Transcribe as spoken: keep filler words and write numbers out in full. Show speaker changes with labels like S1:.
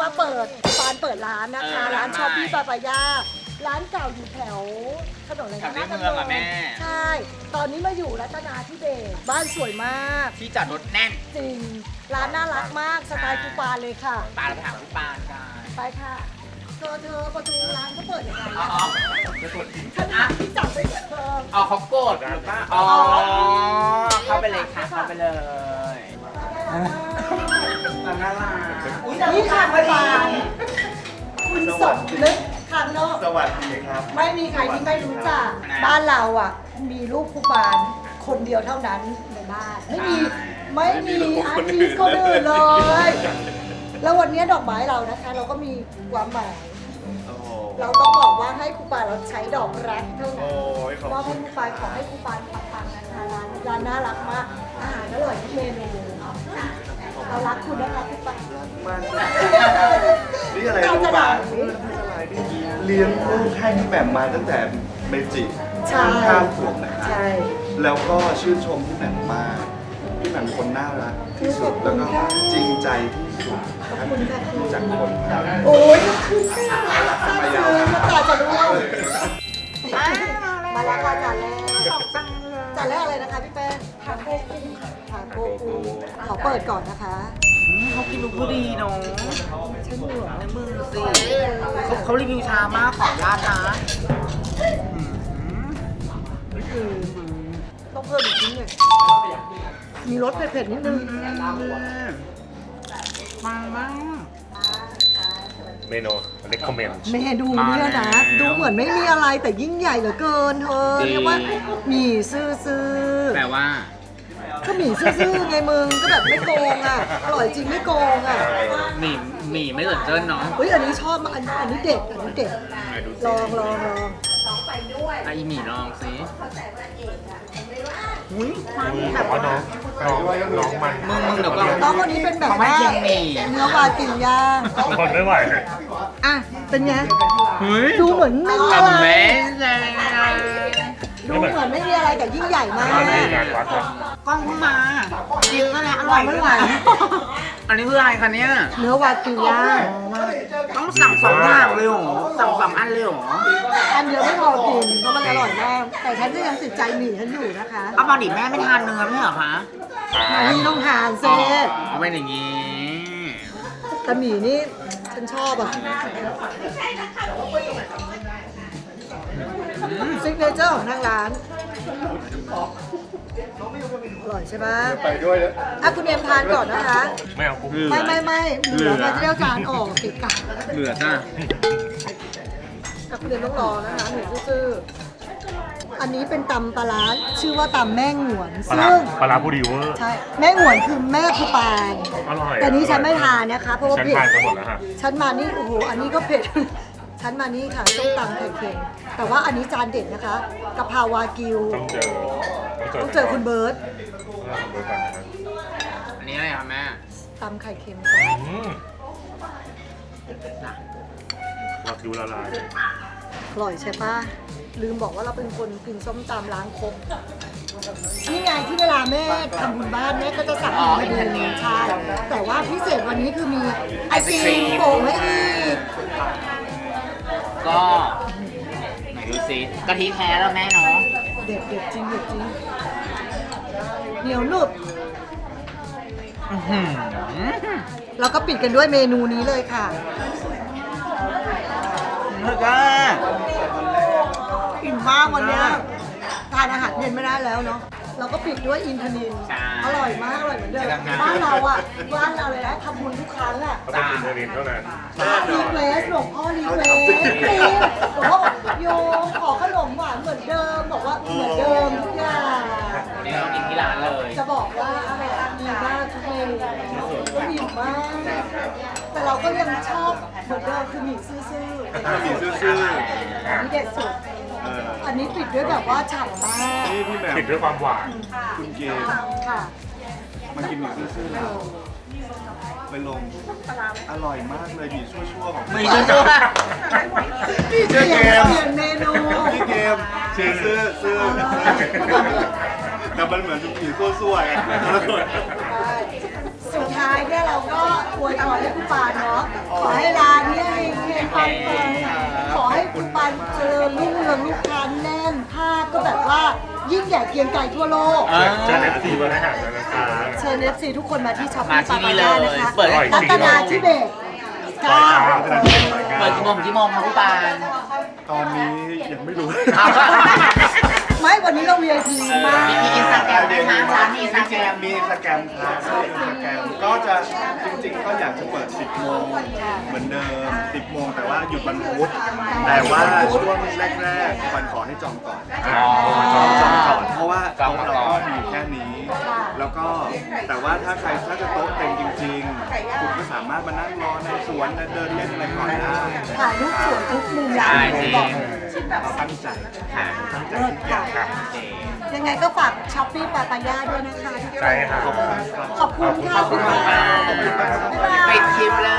S1: มาเปิดปานเปิดร้านนะคะร้านชอปปี้ปาปายาร้านเก่าอยู่แถวถนนอะไรนะ
S2: แถวในเมืองอะแม่
S1: ใช่ตอนนี้มาอยู่รัตนาธิเบศรบ้านสวยมาก
S2: ที่จอดรถแน่น
S1: จริงร้านน่ารักมากสไตล์คูปานเลยค่ะ
S2: ปาเราไปถามพี่ปานกัน
S1: ไปค่ะเธอเธอประตูร้านเขาเปิดยังไง
S2: อ๋อ
S1: อะ
S2: จะกด
S1: ขนาดที่จับไปเธอ
S2: อ๋อเขากดหรือเปล่าอ๋อ เข้าไปเลยค่ะ เข้าไปเลยน่ารัก
S1: นี่ค่ะคูปานคุณสมนึกคันเนาะ
S3: สวัสดีครับ
S1: ไม่มีใครที่ไม่รู้จักบ้านเราอ่ะ มีรูปคูปานคนเดียวเท่านั้นในบ้านไม่มีไม่มีอาร์ติสต์คนอื่นเลย แล้ววันนี้ดอกไม้เรานะคะ เราก็มีความหมาย
S3: โอ้โห
S1: เราต้องบอกว่าให้ครูปานเราใช้ดอกรักเท่า
S3: โอ้
S1: นั้น
S3: ยขอบ
S1: มอบ
S3: คุ
S1: ให้
S3: ณ
S1: ครูปานขอให้ครูปานปังๆนะคะร้านร้านน่ารักมากอาหารอร่อยทุกเมนูเรารักคุณนะคะครูปาน
S3: มากนี่อะไรรู้ป่ะเลี้ยงลูกให้พี่แหม่มมาตั้งแต่เมจิ
S1: ใช่
S3: ข้ามขวบนะครับ
S1: ใช่
S3: แล้วก็ชื่นชมพี่แหม่มมาก พี่แหม่มคนน่ารักที่สุด แล้วก็จริงใจที่สุดครับรู้จักคนครับ
S1: โอ้ยคือซื้อตาจะรู้มาแล้วค่ะจานแรกจานแรกอะไรนะคะพี่แป้งทาโก้กุ้งทาโก้กุ้งขอเปิดก่อนนะคะ
S2: เขากินลูกผู้ดีเนาะ
S1: ฉันเหนื่อย
S2: ในมือสิเขาเขารีวิวชามากขอราดนะ
S1: คือต้องเพิ่มอีกนิดหนึงมีรสเผ็ดๆนิดนึง
S2: มามาก
S4: เมนู recommend
S1: เมนูเนี่ยนะ ดูเหมือนไม่มีอะไรแต่ยิ่งใหญ่เหลือเกินเธอเรียกว่าหมี่ซื่อ
S2: แปลว่า
S1: ๆก็หมี่ซื่อๆไงมึงก็แบบไม่โกงอ่ะอร่อยจริงไม่โกงอ่ะ
S2: หมี่หมี่ไม่เหมือนเจิ้นเนาะ
S1: เฮ้ยอันนี้ชอบมากอันอันนี้เด็ดอันนี้เด็ดลองลองลอง
S2: ไอะอีหมี่ลองสิ
S4: แต่ว่าน้องน้องน้องมัน
S2: มึงมึงเดี๋ยวก่อน
S1: ต้องวันนี้เป็นแบบ
S2: เขาไม่
S1: ว่า
S2: กินหมี่
S1: เนื้อวากินย่าง
S4: ทนไม่ไหว
S1: อ่ะเป็นไง
S2: เฮ้ย
S1: ดูเหมือนไม่มีอะไร
S2: Amazing
S1: ดูเหมือนไม่มีอะไรแต่ยิ่งใหญ่มาก
S4: ไม่มีงานวัดเลย
S2: กล้องเพิ่งมาจริงนั่นแหละอร่อย
S1: ไม่ไหว
S2: อันนี้คืออะไรคะเนี่ย
S1: เนื้อวากินย่าง
S2: ต้องสั่งสองอย่างเลยเหรอสั่งสองอันเลยเหรอ
S1: อันเดียวไม่พอกินเพราะมันอร่อยมากแต่ฉันก็ยังติดใจหมี่ฉันอยู่นะคะ
S2: เอาปกติแม่ไม่ทานเนื้อไม่ใช่เหรอคะ
S1: นี่ต้องทานเซ
S2: เอาเป็นอย่างนี้
S1: แต่หมี่นี่ฉันชอบอ่ะซิกเนเจอร์ของทางร้านอร่อยใช่ไหม
S3: ไปด้วยนะ
S1: อ่ะคุณเอ็มทานก่อนนะคะ
S4: ไม่เอากุ้ง
S1: ไม่ไม่ไม่เหลือมาจะได้เอาจานออกติดกัน
S2: เหลือจ้ะ
S1: อ่ะคุณเอ็มต้องรอนะคะหนูซื่อๆอันนี้เป็นตำปลาร้าชื่อว่าตำแม่งหวน
S4: ปลาร้า
S1: ซึ่ง
S4: ปลาร้าบูดีเวอร์
S1: ใช่แม่งหวนคือแม่ครูปาน
S4: อร่อย
S1: แต่นี้ฉันไม่ทานนะคะเพราะว่า
S4: ฉัน
S1: เผ็ด
S4: ทานไปหมดแล้วฮะ
S1: ฉันมานี่โอ้โหอันนี้ก็เผ็ด ฉันมานี่ค่ะส้มตำไข่เค็มแต่ว่าอันนี้จานเด็ดนะคะกะเพราวากิว
S4: ต้องเจอ
S1: ต้องเจอคุณเบิร์ต
S4: ต้องเจอก่อนนะครับ
S2: อันนี้อะไรคะแม่
S1: ตำไข่เค็มจ้ะ
S4: อืมวากิวละลาย
S1: อร่อยใช่ปะลืมบอกว่าเราเป็นคนกินส้มตำล้างครกนี่ไงที่เวลาแม่ทำบุญบ้านแม่ก็จะสั่งมาดูใช่แต่ว่าพิเศษวันนี้คือมีไอศครีมโป่งให้อีก
S2: ก็ไหนดูสิกะทิแท้แล้วแม่เนาะ
S1: เด็ดเด็ดจริงเด็ดจริงเหนียวหนุบ
S2: อื้อหือ
S1: เราก็ปิดกันด้วยเมนูนี้เลยค่ะ
S2: แล้วก็
S1: อิ่มมากวันเนี้ยทานอาหารเย็นไม่ได้แล้วเนาะเราก็ปิดด้วยอินทนินอร่อยมากอร่อยเหมือนเดิมบ้านเราอ่ะบ้านเราเลยนะทำบุญทุกครั้งอ่ะ
S4: เขาต้องกินเทอร์นินเท่านั้น
S1: รีเควสหลวงพ่อรีเควสหลวงพ่อบอกโยมขอขนมหวานเหมือนเดิมบอกว่าเหมือนเดิมทุกอย่าง
S2: วันนี้เรากินที่ร้านเลย
S1: จะบอกว่าดีมากทุกเมนูก็ดีมาก แต่เราก็ยังชอบเหมือนเดิมคือหมี่ซื่อ
S3: มีซื่อ
S1: ๆอันนี้เด็ดสุด
S3: ๆเออ
S1: อันนี้ปิดด้วยแบบว่าฉ่ำมาก
S3: นี่พี่แหม่ม
S4: ติดด้วยความหวาน
S3: คุณเกม
S1: ค่ะ
S3: มากินหมี่ซื่อๆแล้วไปลงอร่อยมากเลยหมี่ชั่วๆของ
S2: ไม่ใช่ตัว
S3: พี่เจอเกม
S1: เปลี่ยนเมนู
S3: พี่เกมชื่อซื่อซื่อแต่มันเหมือนหมี่ซั่วๆไง
S1: สุดท้ท้ายเนี่ยเราก็อวยพรให้คุณปานเนาะขอให้ร้านเนี่ยเฮงๆปังๆขอให้คุณปานเจริญรุ่งเรืองลูกค้าแน่นภาพก็แบบว่ายิ่งใหญ่เกรียงไกรทั่วโลก
S2: อ่า
S4: เจอเอฟซีวันอาหารแล้วนะคะ
S1: เชิญ เอฟ ซี ทุกคนมาที่ช็อป
S2: มา
S1: ปี้
S2: ที่
S1: ปา
S2: นี่
S1: ปา
S2: เลย
S1: ย่านะคะ
S2: เปิด
S1: รัตนาธิเบศเก้า
S2: เปิดกี่โมงถึงกี่โมงครับพี่ปาน
S3: ตอนนี้ยังไม่รู้
S1: ไม่วันนี้เรา วี ไอ พี มาก
S2: มีอินสตาแกรมด้วยนะร้านมีอินสตาแกรม
S3: มีอินสตาแกรมครับมีอินสตาแกรมก็จะจริงๆก็อยากจะเปิด สิบโมงเหมือนเดิม สิบโมงแต่ว่าหยุดวันพุธแต่ว่าช่วงแรกๆวันขอให้จองก่อน
S2: อ๋อ
S3: จองจองก่อนเพราะว่า
S2: จอง
S3: โต๊ะ
S2: ก่
S3: เรา
S2: อน
S3: ก็มีแค่นี้ แล้วก็แต่ว่าถ้าใครถ้าจะโต๊ะเต็มจริงๆ คุณก็สามารถมานั่งรอในสวนเดินเล่นอะไรก่อนได้
S1: ถ่ายรูปสวยทุกมุมร้า
S2: ใช่
S1: น
S2: จริ
S1: บอก
S2: ง
S3: เราตั้งใจ
S2: ค่ะ
S3: ตั้งใจ
S1: เลิศ
S3: ทุกอ
S1: ค่ะ
S3: ย่าง
S2: โอเค
S1: ยังไงก็ฝากช้อปปี้ปาปายาด้วยนะคะทุกคน
S4: ใช่ค่ะ
S3: ขอบคุณครับ
S1: ขอบคุณค่ะ
S2: ขอบคุณมาก
S3: ขอบคุณมากครับ
S2: ปิดคลิปเลย